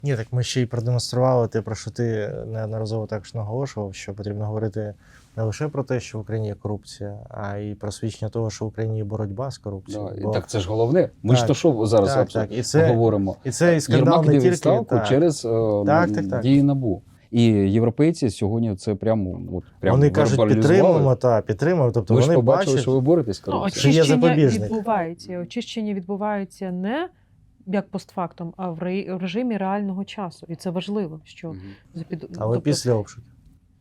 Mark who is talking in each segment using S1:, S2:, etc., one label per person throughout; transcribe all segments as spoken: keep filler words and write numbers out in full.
S1: Ні, так ми ще й продемонстрували те, про що ти неодноразово також наголошував, що потрібно говорити не лише про те, що в Україні є корупція, а й про свідчення того, що в Україні є боротьба з корупцією.
S2: Да,
S1: Бо...
S2: Так це ж головне. Ми
S1: так,
S2: ж то що зараз
S1: так, так. І це,
S2: говоримо.
S1: І це і скандал
S2: Єрмак
S1: не
S2: йде
S1: тільки
S2: відставку
S1: так.
S2: через е,
S1: так, так, так.
S2: дії НАБУ. І європейці сьогодні це прямо, от, прямо
S1: вони кажуть, підтримуємо, та, підтримуємо. Тобто
S2: ви
S1: вони
S2: ж побачили,
S1: бачать,
S2: що ви боретесь з
S3: Ну,
S2: корупцією.
S1: Чи є
S3: очищення
S1: запобіжник?
S3: відбувається. Очищення відбувається не як постфактум, а в ре- в режимі реального часу. І це важливо, що
S2: Мгм.
S3: запід...
S1: але
S3: тобто,
S1: після обшуків.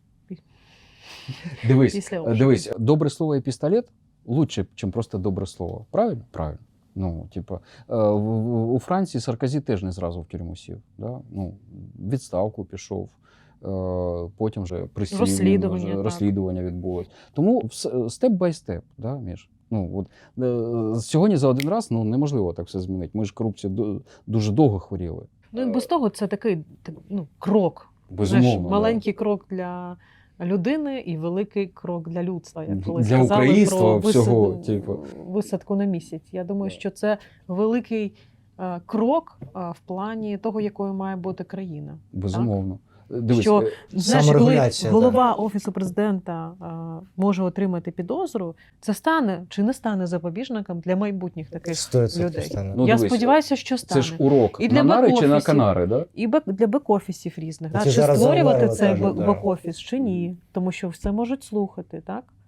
S2: Дивись,
S3: після
S2: е,
S3: обшуків.
S2: дивись, добре слово і пістолет лучше, ніж просто добре слово. Правильно? Правильно. Ну, типу, е, в- в- у Франції Саркозі теж не зразу в тюрму сів. Да? Ну, відставку пішов, е, потім вже присів,
S3: Розслідування,
S2: вже
S3: так.
S2: розслідування відбулось. Тому степ бай степ, да, Міш? Ну, от, е, сьогодні за один раз ну, неможливо так все змінити. Ми ж корупцію ду- дуже довго хворіли.
S3: Ну, і без того це такий так, ну, крок.
S2: Безумовно.
S3: Знаєш,
S2: да.
S3: маленький крок для людини і великий крок для людства. Як колись
S2: Для
S3: казали
S2: українства
S3: про
S2: всього,
S3: висад-
S2: типу.
S3: висадку на місяць. Я думаю, що це великий е, крок е, в плані того, якою має бути країна.
S2: Безумовно. Дивись,
S3: Що,
S2: е,
S3: Знаєш, коли
S1: Саморегуляція,
S3: голова Офісу президента е, може отримати підозру, це стане чи не стане запобіжником для майбутніх таких
S1: сто відсотків
S3: людей.
S1: стане.
S2: Ну,
S3: Я
S2: дивись,
S3: сподіваюся, що стане.
S2: це ж урок
S3: І
S2: на
S3: для
S2: нари чи на
S3: бек-офісів.
S2: канари, да?
S3: І бек, для бек-офісів різних.
S1: Це
S3: Да? Чи
S1: зараз
S3: створювати
S1: заварили,
S3: цей
S1: кажуть,
S3: бек-
S1: да.
S3: бек-офіс, чи ні. Тому що все можуть слухати, так?